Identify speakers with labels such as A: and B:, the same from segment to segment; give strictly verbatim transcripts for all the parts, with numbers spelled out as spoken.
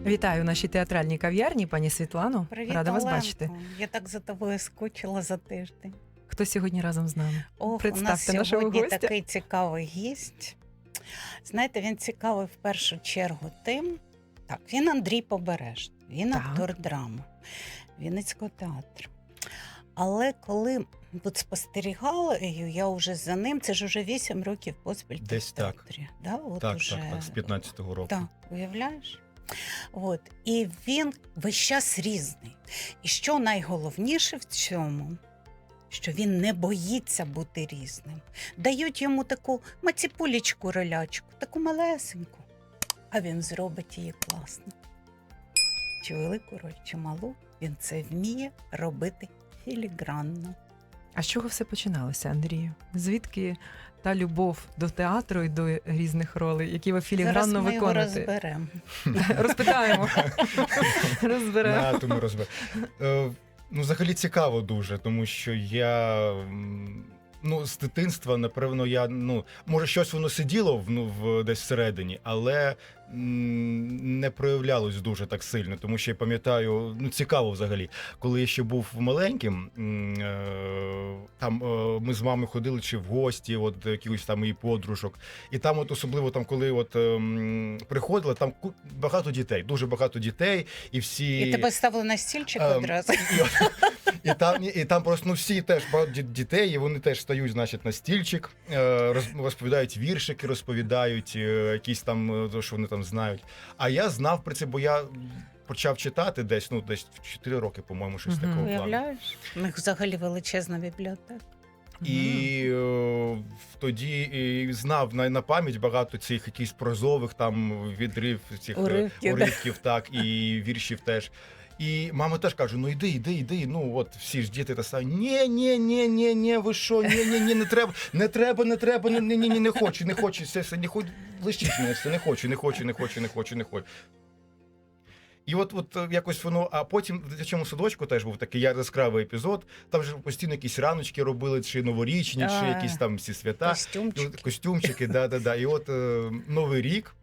A: Вітаю в нашій театральній кав'ярні, пані Світлано.
B: Привіт,
A: Рада вас
B: Оленко.
A: бачити.
B: Я так за тобою скучила за тиждень.
A: Хто сьогодні разом з нами?
B: Ох,
A: Представте
B: у нас
A: нашого
B: сьогодні
A: гостя.
B: такий цікавий гість. Знаєте, він цікавий в першу чергу тим, так, він Андрій Побережний, він
A: Так.
B: актор драми, Вінницького театру. Але коли тут спостерігала, я вже за ним, це ж вже вісім років поспіль ти
C: Десь
B: в
C: так.
B: театрі. Да? От
C: Так,
B: уже...
C: так, так, з п'ятнадцятого року.
B: Так, уявляєш? От. І він весь час різний. І що найголовніше в цьому, що він не боїться бути різним. Дають йому таку маціпулечку ролячку, таку малесеньку, а він зробить її класно. Чи велику роль, чи малу, він це вміє робити філігранно.
A: А з чого все починалося, Андрію? Звідки та любов до театру і до різних ролей, які ви філігранно
B: Зараз ми його
A: виконуєте?
B: розберемо.
A: Розпитаємо. Розберемо.
C: На, тому розбер. Е, ну, взагалі цікаво дуже, тому що я м, ну, з дитинства, напевно, я, ну, може, щось воно сиділо в, ну, в, десь всередині, але м, не проявлялось дуже так сильно, тому що я пам'ятаю, ну, цікаво взагалі, коли я ще був маленьким, м, е, там е, ми з мамою ходили чи в гості, от до якихось там її подружок, і там от особливо, там, коли от ем, приходили, там ку- багато дітей, дуже багато дітей, і всі...
B: І тебе ставили на стільчик
C: Ем,
B: одразу.
C: І, і, там, і там просто ну, всі теж багато ді- дітей, і вони теж стають, значить, на стільчик, е, роз- розповідають віршики, розповідають е, якісь там, е, то, що вони там знають. А я знав про це, бо я почав читати десь, ну, десь в чотири роки, по-моєму, щось
A: Мгм.
C: такого плану.
B: Уявляєш? У них взагалі величезна бібліотека.
C: І е, тоді і знав на, на пам'ять багато цих якихось прозових там відрив, цих е,
B: Уривків, да.
C: уривків, так, і віршів теж. І мама теж каже: ну йди, йди, йди. Ну от всі ж діти та самі. Ні, ні, ні, ні, ні, ви що, ні, ні, ні, не треба, не треба, не треба, ні, ні, ні, ні, не хочу, не хочу, все, все, не хочу, лишіть мене, все, не хочу, не хочу, не хочу, не хочу, не хочу. І от, от е, якось воно, а потім в дитячому садочку теж був такий яскравий епізод. Там же постійно якісь раночки робили, чи новорічні, чи
B: А,
C: якісь там всі свята.
B: Костюмчик.
C: Ну, костюмчики, да, да, да. І от е, Новий рік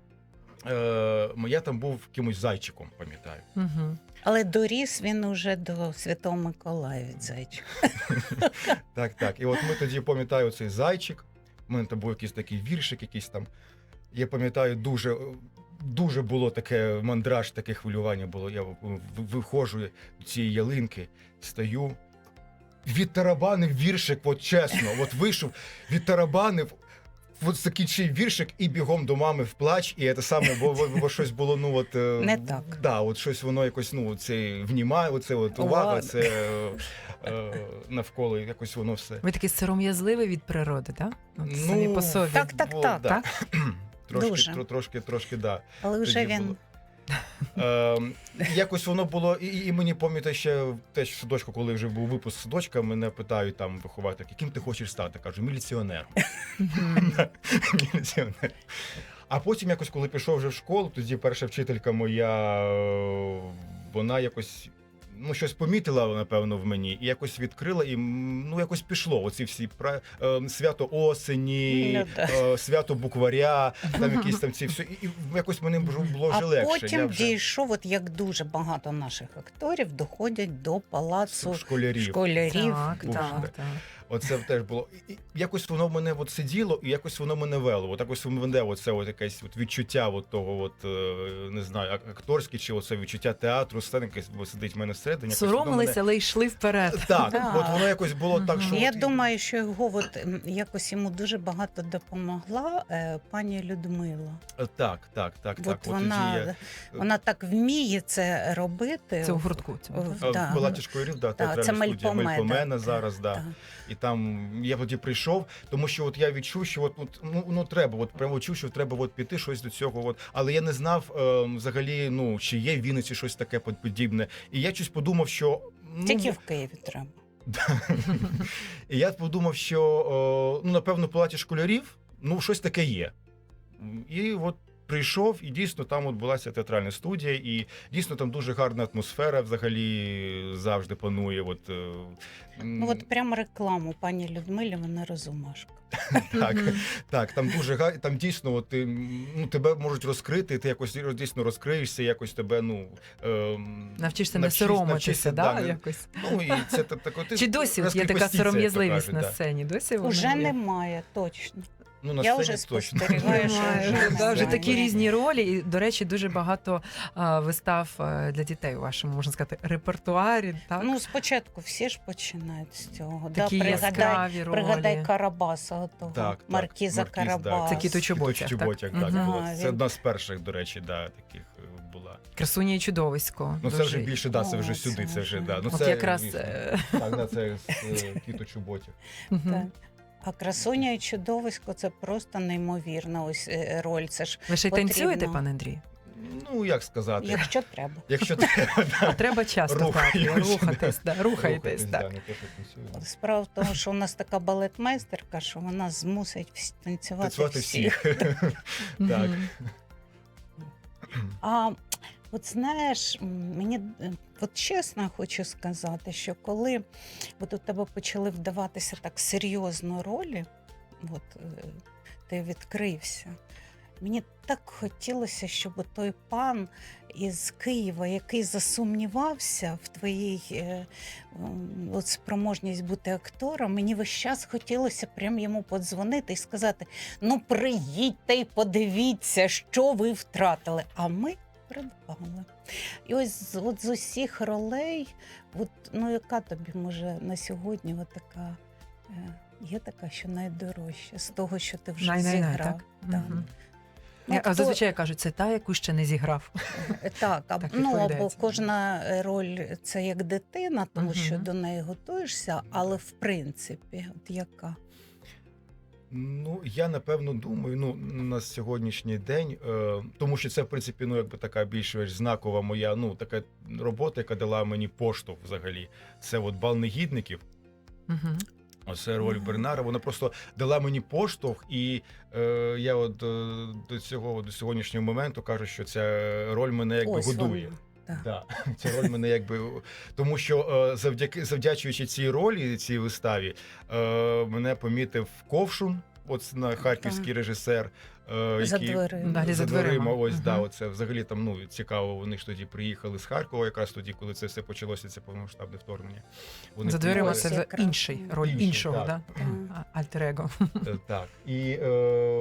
C: е, я там був якимось зайчиком, пам'ятаю.
A: Угу.
B: Але доріс він уже до Святого Миколая від зайчика.
C: Так, так. І от ми тоді, пам'ятаю, цей зайчик. У мене там був якийсь такий віршик, якийсь там. Я пам'ятаю, дуже, дуже було таке мандраж, таке хвилювання було. Я в- виходжу до цієї ялинки, стою. Відтарабанив віршик, от чесно, от вийшов, відтарабанив, от закінчив віршик і бігом до мами в плач, і це саме, бо, бо, бо щось було, ну от... е,
B: Не так.
C: Да, от щось воно якось, ну, це внімає, оце от увага,
B: Ладно.
C: це е, е, навколо, якось воно все.
A: Ви такий сором'язливий від природи, так? От
C: Ну,
A: самі по собі.
B: Так, так,
C: Було,
B: так.
C: да. Трошки,
B: Дуже.
C: тро- трошки, трошки, да.
B: Але вже
C: Тоді
B: він
C: було. Ем, якось воно було, і, і мені пам'ятаю ще теж в садочку, коли вже був випуск садочка, мене питають там вихователь, яким ти хочеш стати? Кажу, міліціонером.
A: Мгм.
C: Міліціонер. А потім якось, коли пішов вже в школу, тоді перша вчителька моя, е, вона якось, ну, щось помітила, напевно, в мені, і якось відкрила, і м, ну, якось пішло. Оці всі пра- е, свято осені,
B: Ну, да.
C: е, свято букваря, там якісь там ці все. І, і якось мені було було вже
B: а
C: легше.
B: потім
C: Я вже
B: дійшов, от як дуже багато наших акторів доходять до палацу
C: школярів.
B: школярів.
A: Так,
C: Був
A: так,
C: ще.
A: так.
C: Оце теж було. І і якось воно в мене от сиділо, і якось воно мене вело. От якось мене оце от якесь от відчуття от того, от, е, не знаю, ак- акторське, чи оце відчуття театру, сцени, якесь от сидить в мене всередині. якось воно
A: Соромилися,
C: мене-
A: але йшли вперед.
C: Так,
B: Да.
C: от воно якось було так,
A: Мгм.
C: що...
B: Я
C: от,
B: думаю, що його от м, якось йому дуже багато допомогла е, пані Людмила.
C: е, Так, так, так,
B: От
C: так. От
B: вона,
C: тоді я
B: вона так вміє це робити.
A: Це у гуртку. цьому.
B: В-
C: е,
B: да.
C: в Палаті школярів, да, театральна
B: це
C: студія
B: Мельпомена.
C: Мельпомена зараз, да.
B: Так.
C: І там я тоді прийшов, тому що от я відчув, що от, от ну, ну треба, от прямо чув, що треба от піти щось до цього. От. Але я не знав е, взагалі, ну чи є в Вінниці щось таке подібне. І я щось подумав, що ну,
B: Тільки в Києві треба.
C: і я подумав, що е, ну напевно в Палаті школярів ну щось таке є. І от прийшов, і дійсно там от була ця театральна студія, і дійсно там дуже гарна атмосфера взагалі завжди панує. От, е,
B: Ну от прямо рекламу пані Людмилі, вона розумашка.
C: так,
A: Мгм.
C: так, там дуже га- там дійсно от, ти, ну, тебе можуть розкрити, ти якось дійсно розкриєшся, якось тебе, ну. ем,
A: Навчишся не
C: навчись-
A: соромитися,
C: навчишся,
A: да,
C: да, не-
A: якось.
C: Ну, і це так, так, от,
A: Чи досі от є така
C: розкріпостіться, як то
A: сором'язливість
C: кажуть,
A: на
C: да.
A: сцені? Досі вона
B: Уже
A: є?
B: немає, точно.
C: Ну, на
B: Я
C: сцені
B: вже
C: точно.
B: спостерігаю, що
A: Немає,
B: вже
A: да,
B: немає.
A: вже такі різні ролі. І, до речі, дуже багато а, вистав а, для дітей у вашому, можна сказати, репертуарі. Так?
B: Ну, спочатку всі ж починають з цього.
A: Такі
B: да, пригадай,
A: яскраві ролі.
B: пригадай Карабаса, отого,
C: Так, так,
B: Маркіза
C: Маркіз, да.
B: Карабаса.
A: Це Кіто Чоботяг,
C: Кіто Чоботяг,
A: так?
C: так,
A: Мгм.
C: було.
B: Ага,
C: Це
B: він-
C: одна з перших, до речі, да, таких е, була.
A: Красуня і чудовисько.
C: Ну, це
A: дуже.
C: вже більше, да, це
B: О,
C: вже
B: це
C: сюди, це вже,
B: вже.
C: да. Ну,
A: От
C: це,
A: якраз,
C: звісно.
A: е,
C: Так, да, це з е, Кіто Чоботяг.
A: Мгм.
B: Так. А красуня і чудовисько це просто неймовірна ось е, роль. Це ж
A: Ви ще й
B: потрібно.
A: танцюєте, пане Андрій?
C: Ну, як сказати,
B: якщо треба.
C: якщо треба,
A: А
C: да.
A: треба часто так,
C: Рухаємося,
A: рухатись, да, рухайтесь,
C: Рухатись,
A: так.
C: да, не те, що танцюємо.
B: Справа в тому, що у нас така балетмейстерка, що вона змусить всі танцювати
C: Танцювати
B: всіх.
C: всіх. Так.
A: Мгм.
B: А от знаєш, м, мені е, от чесно хочу сказати, що коли от у тебе почали вдаватися так серйозно ролі, от е, ти відкрився. Мені так хотілося, щоб той пан із Києва, який засумнівався в твоїй е, м, от спроможність бути актором, мені весь час хотілося прям йому подзвонити і сказати: ну приїдьте і подивіться, що ви втратили. А ми придбали. І ось з- от з усіх ролей, от, ну яка тобі може на сьогодні от така, е, є така, що найдорожча з того, що ти вже
A: Най-най-най,
B: зіграв.
A: так?
B: Так.
A: Мгм.
B: Ну,
A: А
B: хто-
A: зазвичай кажуть, це та, яку ще не зіграв.
B: Е, Так, а,
A: Так
B: ну або
A: відповідається.
B: кожна е, роль це як дитина, тому що
A: Мгм.
B: до неї готуєшся, але в принципі, от яка?
C: Ну, я напевно думаю, ну на сьогоднішній день, е, тому що це в принципі ну якби така більш знакова моя, ну така робота, яка дала мені поштовх взагалі. Це от бал негідників.
A: Мгм.
C: Оце роль
B: Мгм.
C: Бернара. Вона просто дала мені поштовх, і е, я от е, до цього до сьогоднішнього моменту кажу, що ця роль мене якби
B: Ось
C: годує.
B: вона. Так.
C: Да, ця роль мене якби тому, що е, завдяки завдячуючи цій ролі, цій виставі, е, мене помітив Ковшун, от на харківський режисер. е,
B: За
C: який-
B: дверима.
A: Далі за дверима.
C: Ось
A: Мгм.
C: да, оце взагалі там ну цікаво. Вони ж тоді приїхали з Харкова, якраз тоді, коли це все почалося, це повномасштабне вторгнення. Вони
A: За дверима
B: Ось
A: це вже
B: якраз.
A: інший, роль
C: Інший,
A: іншого,
C: так.
A: да?
B: Так.
A: А- альтер-его.
C: Е, Так. І е,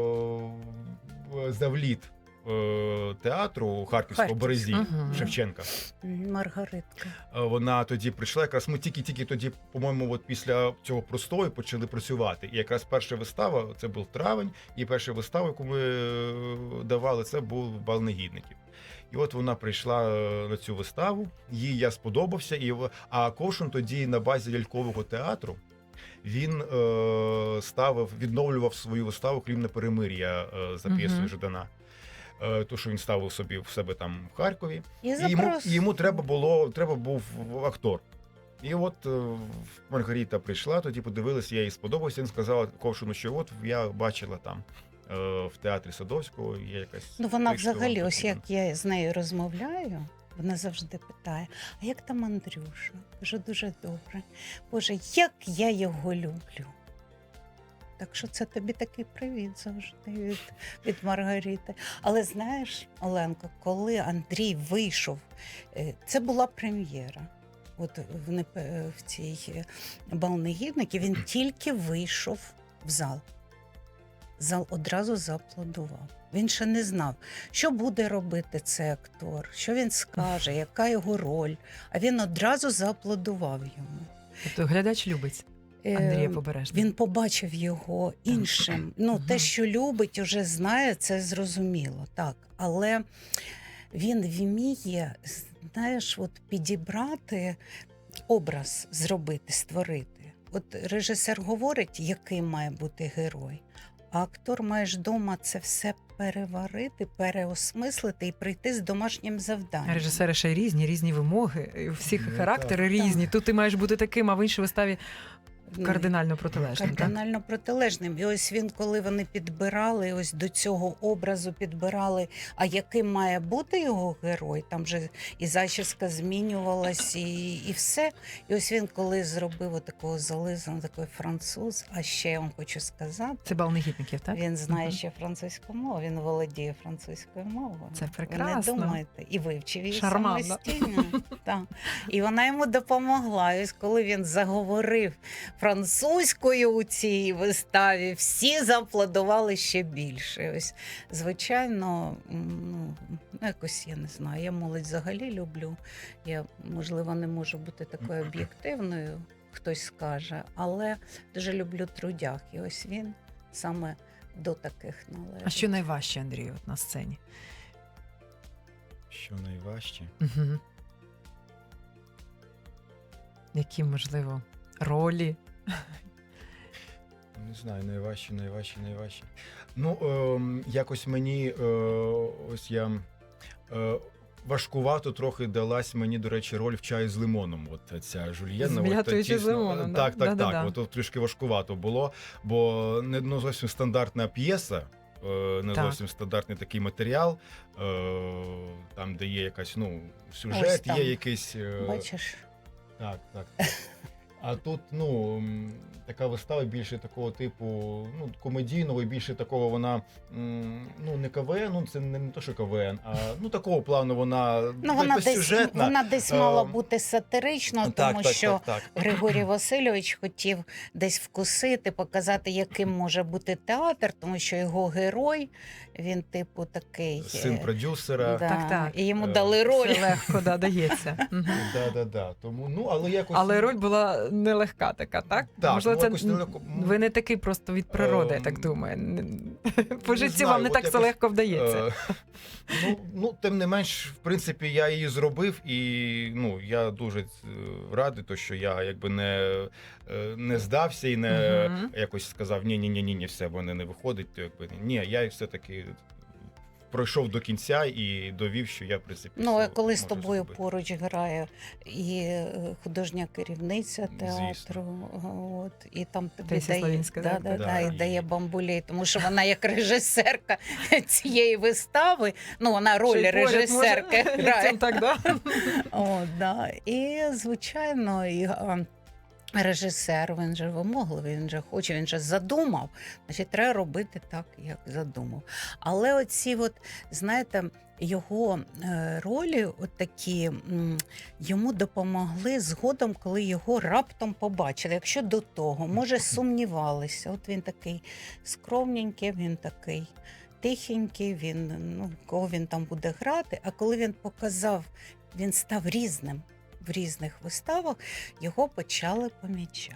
C: завліт е, театру Харківського
B: Харківського.
C: Березі
A: Мгм.
C: Шевченка.
B: М, Маргаритка.
C: Е, Вона тоді прийшла. Якраз ми тільки-тільки тоді, по-моєму, от після цього простою почали працювати. І якраз перша вистава, це був травень, і перша вистава, яку ми е, давали, це був бал негідників. І от вона прийшла е, на цю виставу, їй я сподобався. І в- а Ковшин тоді на базі лялькового театру. Він е, ставив, відновлював свою виставу «Хлібне перемир'я» е, за п'єсою
A: Мгм.
C: Ждана. Е, то, що він ставив собі в себе там в Харкові.
B: І
C: І йому,
B: запрос.
C: і йому треба було, треба був актор. І от е, Маргарита прийшла, тоді подивилася, я їй сподобався. Він сказала Ковшину, що от я бачила там е, в театрі Садовського, є якась.
B: Ну вона
C: те, що вам
B: взагалі, ось
C: потрібно.
B: як я з нею розмовляю, вона завжди питає: а як там Андрюша? Кажу, дуже добре. Боже, як я його люблю. Так що це тобі такий привіт завжди від, від Маргарити. Але знаєш, Оленко, коли Андрій вийшов, е, це була прем'єра. От в, непе- в цій е, бал негідників він тільки вийшов в зал. Зал одразу зааплодував. Він ще не знав, що буде робити цей актор, що він скаже, яка його роль. А він одразу зааплодував йому.
A: Тобто глядач любить
B: Е,
A: Андрія Побережного.
B: Він побачив його іншим. Ну,
A: Мгм.
B: те, що любить, уже знає, це зрозуміло, так. Але він вміє, знаєш, от підібрати образ, зробити, створити. От режисер говорить, яким має бути герой, а актор має ж дома це все переварити, переосмислити і прийти з домашнім завданням.
A: Режисери ще й різні, різні вимоги. і У всіх
C: Ну,
A: характери
C: так.
A: різні. Тут ти маєш бути таким, а в іншій виставі Кардинально протилежним, так?
B: Кардинально протилежним. І ось він, коли вони підбирали, ось до цього образу підбирали, а яким має бути його герой, там же і зачіска змінювалась, і, і все. І ось він, коли зробив отакого зализаного, такий француз, а ще я вам хочу сказати,
A: Це бал негідників, так?
B: він знає
A: Мгм.
B: ще французьку мову, він володіє французькою мовою.
A: Це
B: Ви
A: прекрасно.
B: не думаєте. І вивчив її
A: Шарманно.
B: самостійно. Так. І вона йому допомогла. І ось коли він заговорив французькою у цій виставі, всі зааплодували ще більше. Ось, звичайно, м, ну, якось я не знаю, я молодь взагалі люблю. Я, можливо, не можу бути такою об'єктивною, хтось скаже, але дуже люблю трудях. І ось він саме до таких належить.
A: А що найважче, Андрію, от на сцені?
C: Що найважче?
A: Угу. Які, можливо, ролі?
C: Не знаю, найважче, найважче, найважче. Ну, ем, якось мені е, ось я е, важкувато трохи далась мені, до речі, роль в чаю з лимоном. От ця Жульєнна.
A: З
C: от,
A: м'ятою чи з
C: тісно-
A: лимоном, да?
C: Так, так,
A: Да-да-да.
C: так. От, от трішки важкувато було, бо не ну, зовсім стандартна п'єса. е, Не
A: Так.
C: зовсім стандартний такий матеріал, е, там, де є якась, ну,
B: Ось
C: сюжет,
B: там.
C: є якийсь. е,
B: Бачиш?
C: так, так. так. А тут, ну, м, така вистава більше такого типу, ну, комедійного, і більше такого вона, м, ну, не КВН, ну, це не, не то, що КВН, а, ну, такого плану вона,
B: Ну, вона десь,
C: безсюжетна.
B: вона десь
C: Е,
B: мала бути сатиричною,
C: так,
B: тому
C: так,
B: що
C: так, так.
B: Григорій Васильович хотів десь вкусити, показати, яким може бути театр, тому що його герой, він, типу, такий.
C: Син
B: е,
C: продюсера.
B: да,
A: Так, так.
B: І йому
C: Е,
B: дали роль.
A: Це легко да, дається. Мгм.
C: Да, да, да. Тому, ну, але якось...
A: Але роль була нелегка така, так?
C: Так,
A: Можливо,
C: ну,
A: це
C: якось нелегко.
A: ви не такий просто від природи, я так
C: Ем,
A: думаю. Не- По
C: не
A: житті
C: знаю,
A: вам не
C: от
A: так це
C: якось,
A: легко вдається.
C: Е, ну, ну, тим не менш, в принципі, я її зробив, і ну, я дуже е, радий, то, що я якби не, е, не здався і не
A: Мгм.
C: якось сказав, ні, ні, ні, ні, ні, все, вони не виходить. То, якби, ні, я все-таки пройшов до кінця і довів, що я, в принципі,
B: Ну, а
C: все
B: коли з
C: можу
B: тобою
C: зробити.
B: поруч грає і е, художня керівниця театру,
C: Звісно.
B: от, і там тобі
A: Таїсія
B: дає,
A: Славінська,
B: да,
A: так?
B: да,
C: Да,
B: да, і
C: і-
B: дає бамбулей, тому що вона як режисерка цієї вистави, ну, вона
A: Ще
B: роль
A: й поряд
B: режисерки
A: може
B: грає.
A: ліктем так, да?
B: О, да. І, звичайно, і, а, режисер, він же вимогливий, він же хоче, він же задумав. Значить, треба робити так, як задумав. Але оці, от, знаєте, його е, ролі, от такі, м, йому допомогли згодом, коли його раптом побачили. Якщо до того, може, сумнівалися. От він такий скромненький, він такий тихенький, він, ну, кого він там буде грати. А коли він показав, він став різним в різних виставах, його почали помічати.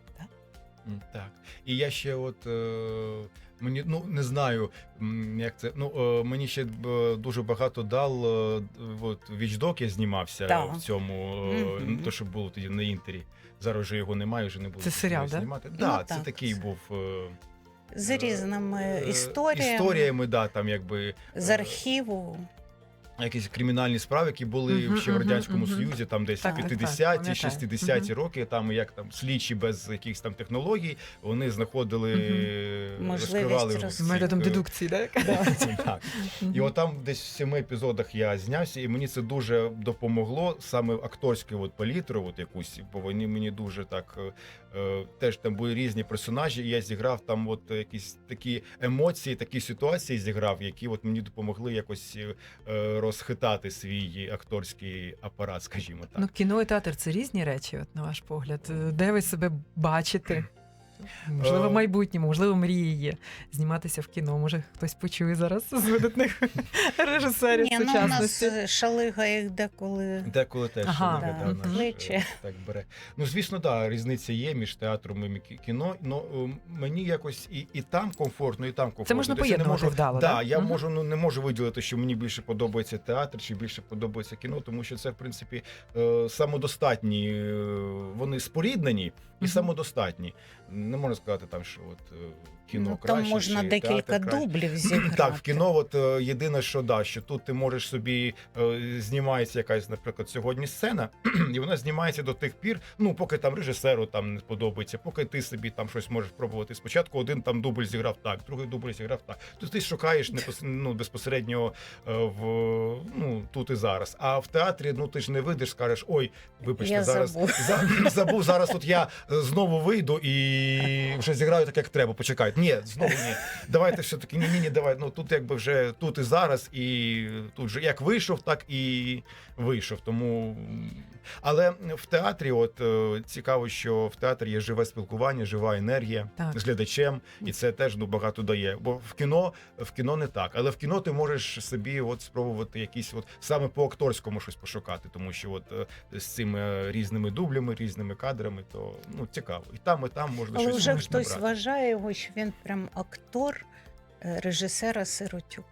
C: М, Так. І я ще от е, мені ну не знаю, м, як це. Ну е, мені ще б, дуже багато дав. Е, от Вічдок я знімався
B: Так.
C: в цьому, е,
B: Мгм.
C: то що було тоді на інтері. Зараз вже його немає, вже не буду
A: Це серіал,
C: його
A: да?
C: знімати.
B: Ну,
C: Да, це
B: так.
C: такий був е,
B: З різними
C: е,
B: історіями,
C: історіями, да, там якби
B: з
C: е,
B: архіву.
C: якісь кримінальні справи, які були
A: Мгм,
C: ще в
A: мгм,
C: радянському
A: мгм.
C: Союзі, там десь
A: Так, так, так,
C: п'ятдесяті,
A: пам'ятаю.
C: шістдесяті
A: Мгм.
C: роки, там як там слідчі без якихось там технологій, вони знаходили,
A: Мгм.
B: Можливість
C: розкривали
B: роз-
C: цих,
A: Методом
C: е,
A: дедукції, так?
C: так. І от там десь в семи епізодах я знявся, і мені це дуже допомогло, саме акторську от палітру, от якусь, бо вони мені дуже так е, е, теж там були різні персонажі, і я зіграв там от якісь такі емоції, такі ситуації зіграв, які от мені допомогли якось е, розхитати свій акторський апарат, скажімо так.
A: Ну, кіно і театр це різні речі, от, на ваш погляд. Е, Де ви себе бачите? Можливо,
C: Е,
A: в майбутньому, можливо, мрії є зніматися в кіно. Може, хтось почує зараз з видатних режисерів
B: Ні, ну, у нас
A: сучасності.
B: е, шалига їх деколи.
C: Деколи теж
A: Ага,
C: Ольга,
B: да,
C: да, наш,
B: кличе.
C: е, так бере. Ну, звісно, да, різниця є між театром і кі- кіно. Ну мені якось і, і там комфортно, і там комфортно.
A: Це можна
C: Десь я не
A: поєднувати
C: можу,
A: вдало,
C: да,
A: да?
C: я
A: Мгм.
C: можу, ну не можу виділити, що мені більше подобається театр, чи більше подобається кіно, тому що це, в принципі, е, самодостатні. е, Вони споріднені і
A: Мгм.
C: самодостатні. Не можна сказати там, що от. е, кіно
B: Ну,
C: краще.
B: там можна
C: чи
B: декілька
C: театр краще.
B: дублів зіграти.
C: Так, в кіно, от е, єдине, що да, що тут ти можеш собі е, знімається якась, наприклад, сьогодні сцена, і вона знімається до тих пір, ну поки там режисеру там не сподобається, поки ти собі там щось можеш пробувати. Спочатку один там дубль зіграв так, другий дубль зіграв так. Тобто ти шукаєш непос... ну, безпосередньо е, в ну тут і зараз. А в театрі ну ти ж не вийдеш, скажеш, ой, вибачте,
B: Я
C: зараз
B: забув.
C: за- забув. Зараз от я е, знову вийду і вже зіграю так, як треба. Почекайте. Ні, знову ні. Давайте все таки ні, ні, ні, давай. Ну тут якби вже тут і зараз, і тут же як вийшов, так і вийшов. Тому але в театрі, от е, цікаво, що в театрі є живе спілкування, жива енергія
A: Так.
C: з глядачем, і це теж ну багато дає. Бо в кіно в кіно не так, але в кіно ти можеш собі от спробувати якісь от саме по акторському щось пошукати, тому що от е, з цими різними дублями, різними кадрами, то ну цікаво. І там, і там можна
B: Але
C: щось
B: вже
C: можеш
B: хтось
C: набрати.
B: вважає його, що він прям актор е, режисера Сиротюка.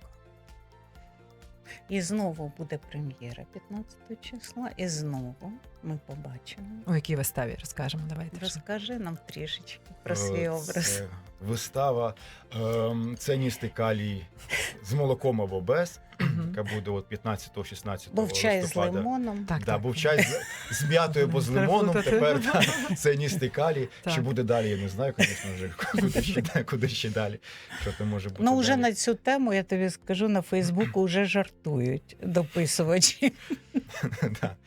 B: І знову буде прем'єра п'ятнадцятого числа, і знову ми побачимо.
A: У якій виставі розкажемо? Давайте. вже.
B: Розкажи нам трішечки про
C: Е,
B: свій образ.
C: Це вистава ем, «Ценністий калій з молоком або без»,
A: Мгм.
C: яка буде от п'ятнадцятого-шістнадцятого
B: Був чай з
C: листопада.
B: лимоном.
A: Так,
C: Да,
A: так.
C: був чай з, з м'ятою або з лимоном, тепер да, це ністий калій.
A: Так.
C: Чи буде далі, я не знаю, звісно вже, куди ще, да- куди ще далі, що там може бути
B: Ну, вже
C: далі.
B: на цю тему, я тобі скажу, на Фейсбуку вже жартують дописувачі.
C: Да.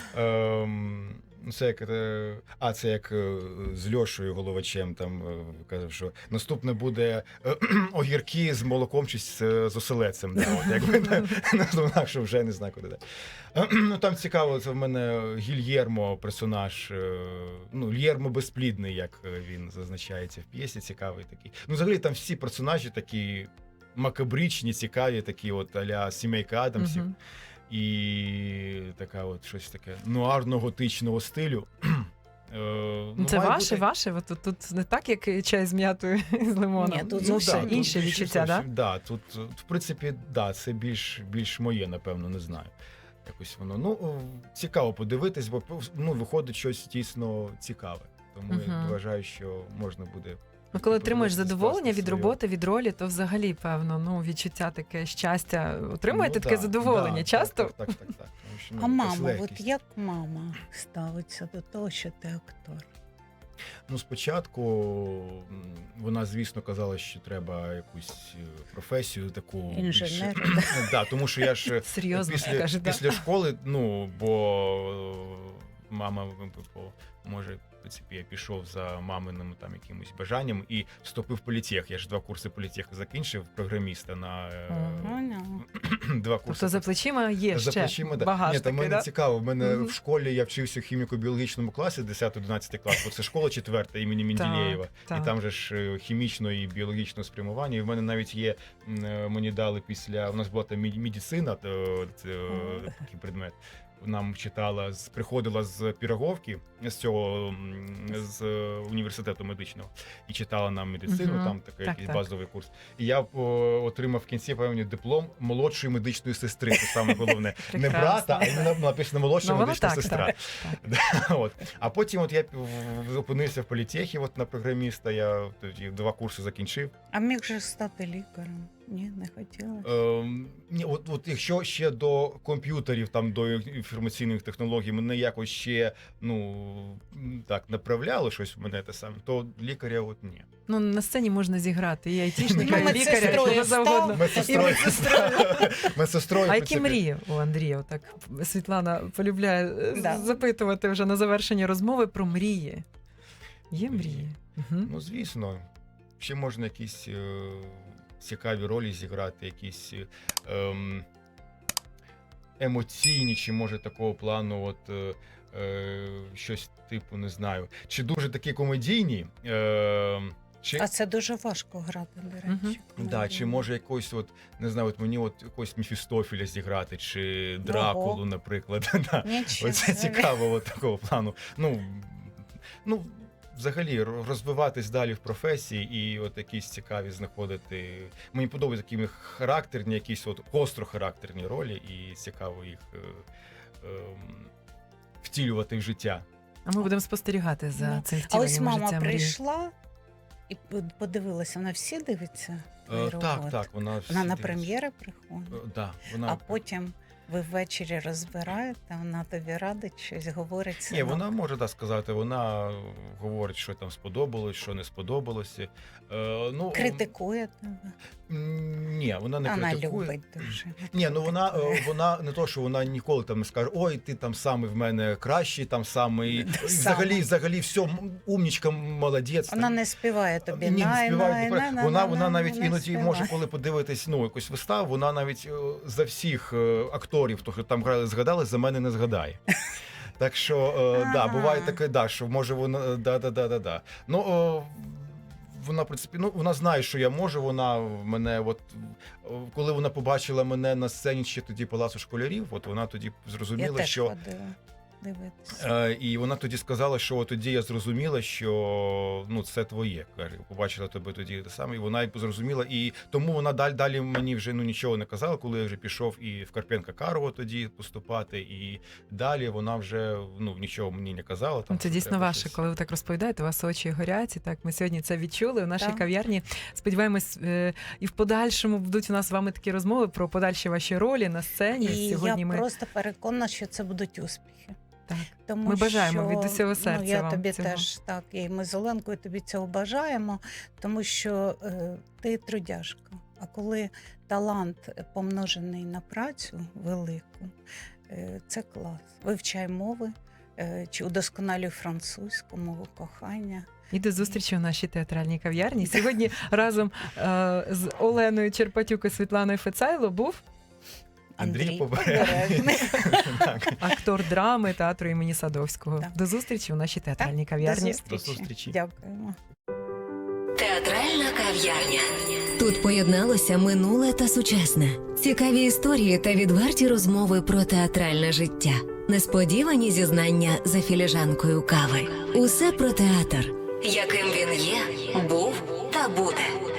C: Ем, ну, це як, е, а, це як е, з Льошою Головачем там е, казав, що наступне буде е, огірки з молоком чи з, е, з оселедцем. Да, от, якби, да, наступна, що вже не знаю, куди далі. Е, Ну, там цікаво, це в мене Гільєрмо, персонаж, е, ну, Гільєрмо безплідний, як е, він зазначається в п'єсі, цікавий такий. Ну, взагалі там всі персонажі такі макабричні, цікаві, такі от а-ля сімейка Адамсів.
A: Мгм.
C: І така от щось таке нуарно-готичного стилю. Е, ну,
A: Це
C: має
A: ваше,
C: бути-
A: ваше? От Тут, тут не так, як чай з м'ятою і з лимоном.
B: Ні, тут
A: ну,
B: зовсім
A: все
C: тут
A: інше
C: більш-
A: відчуття, так?
C: зовсім- да, тут, е, в принципі, да, це більш, більш моє, напевно, не знаю. Якось воно. Ну, о, цікаво подивитись, бо ну, виходить щось дійсно цікаве. Тому я
A: Мгм.
C: вважаю, що можна буде.
A: Ну, коли отримуєш
C: подивитись,
A: задоволення
C: скласти
A: від
C: свою-
A: роботи, від ролі, то взагалі, певно, ну, відчуття таке щастя. Отримуєте
C: Ну,
A: таке
C: да,
A: задоволення
C: да,
A: часто?
C: Так, так, так. так, так. Тому що, ну,
B: А
C: якась
B: мама, от
C: легкість.
B: як мама ставиться до того, що ти актор?
C: Ну, спочатку м, вона, звісно, казала, що треба якусь е, професію таку
B: Інженера,
C: більш- Ну, да, тому що я ж
A: Серйозно
C: після,
A: каже, да.
C: після школи, ну, бо е, мама бо, може. В принципі, я пішов за маминим там якимось бажанням і вступив в політех. Я ж два курси політеху закінчив, програміста на е,
B: Ага.
C: два курси.
A: Тобто за плечима є
C: За
A: ще
C: плечима, да.
A: багаж
C: Ні, та
A: такий,
C: мене
A: да?
C: цікаво. В мене
A: Мгм.
C: в школі я вчився в хіміко-біологічному класі десятий-одинадцятий клас, бо це школа четверта імені Менделєєва.
A: так.
C: І там же ж е, хімічно і біологічне спрямування. І в мене навіть є, м, е, мені дали після, у нас була там меді- медицина, то, це, е, такий предмет. Нам читала, з- приходила з Піроговки, з цього м, з е, університету медичного, і читала нам медицину,
A: Мгм.
C: там такий
A: Так,
C: якийсь
A: так.
C: базовий курс. І я о, отримав в кінці певні диплом молодшої медичної сестри. Це саме головне. Не
A: Прекрасно.
C: брата, а іменно написано молодша
A: Ну, воно
C: медична
A: так,
C: сестра.
A: так,
C: Да, от. А потім от я в- опинився в політехі от на програміста. Я тоді два курси закінчив.
B: А міг же стати лікарем? Ні, не хотіла.
C: Ем, ні, от, от якщо ще до комп'ютерів, там до інформаційних технологій мене якось ще ну м, так направляло щось в мене те саме, то лікаря от ні.
A: Ну, на сцені можна зіграти і айтішника,
B: Ну,
A: і лікаря, і
B: медсестрою
A: кого
B: став.
A: завгодно.
C: Медсестрою.
A: медсестрою.
C: Медсестрою, в
A: А які
C: принципі.
A: мрії у Андрія? Так Світлана полюбляє е,
B: Да.
A: запитувати вже на завершення розмови про мрії. Є мрії? Мгм.
C: Ну, звісно, ще можна якісь е, цікаві ролі зіграти, якісь е, ем, емоційні, чи може такого плану, от е, е, щось типу, не знаю. Чи дуже такі комедійні. Е, чи,
B: А це дуже важко грати, до речі.
A: Мгм.
C: да, чи може якось, от, не знаю, от мені от якогось Мефістофіля зіграти, чи Дракулу,
B: Ого.
C: наприклад. Да.
B: Нічого
C: Оце
B: собі.
C: цікаво, от такого плану. Ну, ну, взагалі, ро- розвиватись далі в професії і от якісь цікаві знаходити. Мені подобаються такі характерні, якісь от гостро характерні ролі, і цікаво їх е, ем, втілювати в життя.
A: А ми будемо спостерігати за
B: Ну,
A: цим
B: А ось
A: втіленням
B: мама
A: життя мрії.
B: прийшла І подивилася, вона всі дивиться твої
C: Е, Так,
B: роботи?
C: так, вона всі
B: Вона на
C: дивиться.
B: прем'єри приходить,
C: Е, Да, вона...
B: а потім ви ввечері розбираєте, вона тобі радить щось, говорить
C: Ні,
B: синок.
C: вона може так сказати, вона говорить, що там сподобалось, що не сподобалося. Е, ну,
B: Критикує тебе.
C: м, Ні, вона не
B: Вона
C: критикує.
B: любить дуже.
C: Ні, ну вона,
B: Критикує.
C: е, вона не то, що вона ніколи там не скаже, ой, ти там самий в мене кращий, там самий. І
B: Сама.
C: Взагалі, взагалі, все, м, умнічка, молодець.
B: Вона
C: там.
B: не співає тобі.
C: Ні, не
B: най,
C: співає.
B: най,
C: не
B: най,
C: співає. Вона,
B: най,
C: вона
B: най,
C: навіть
B: не
C: іноді
B: співає.
C: може, коли подивитись ну, якусь виставу, вона навіть е, за всіх е, акторів, хто там грали, згадали, за мене не згадає. Так що, е, да,
B: Ага.
C: буває таке, да, що може вона, да, да, да, да, да. Ну, о, вона, в принципі, ну, вона знає, що я можу, вона мене, от, о, коли вона побачила мене на сцені ще тоді Палацу школярів, от вона тоді
B: Я
C: зрозуміла,
B: теж
C: що...
B: ходила дивитися.
C: Е, І вона тоді сказала, що от тоді я зрозуміла, що ну це твоє. Каже, побачила тебе тоді те саме, і вона й зрозуміла. І тому вона далі далі мені вже ну нічого не казала, коли я вже пішов і в Карпенка Карого тоді поступати. І далі вона вже ну нічого мені не казала. Там
A: Це
C: що
A: дійсно
C: треба
A: ваше,
C: щось.
A: коли ви так розповідаєте, у вас очі горять. І так, ми сьогодні це відчули у нашій
B: Так.
A: кав'ярні. Сподіваємось, е, і в подальшому будуть у нас з вами такі розмови про подальші ваші ролі на сцені.
B: І
A: Сьогодні
B: я
A: ми
B: просто переконана, що це будуть успіхи.
A: так.
B: Тому
A: Ми бажаємо
B: що,
A: від усього серця
B: ну, я
A: вам
B: тобі
A: цього.
B: теж так, і ми з Оленкою тобі цього бажаємо, тому що е, ти трудяжка. А коли талант помножений на працю велику, е, це клас. Вивчай мови, е, чи удосконалюй французьку мову кохання.
A: І до зустрічі у нашій театральній кав'ярні. Сьогодні разом е, з Оленою Черпатюк і Світланою Фецайло був
C: Андрій
B: Андрій
C: Побережний.
B: Побережний.
C: Так.
A: актор драми театру імені Садовського.
B: Так.
A: До зустрічі у нашій театральній
B: До
A: кав'ярні.
B: зустрічі.
C: До зустрічі.
B: Дякуємо.
D: Театральна кав'ярня. Тут поєдналося минуле та сучасне. Цікаві історії та відверті розмови про театральне життя. Несподівані зізнання за філіжанкою кави. Усе про театр, яким він є, був та буде.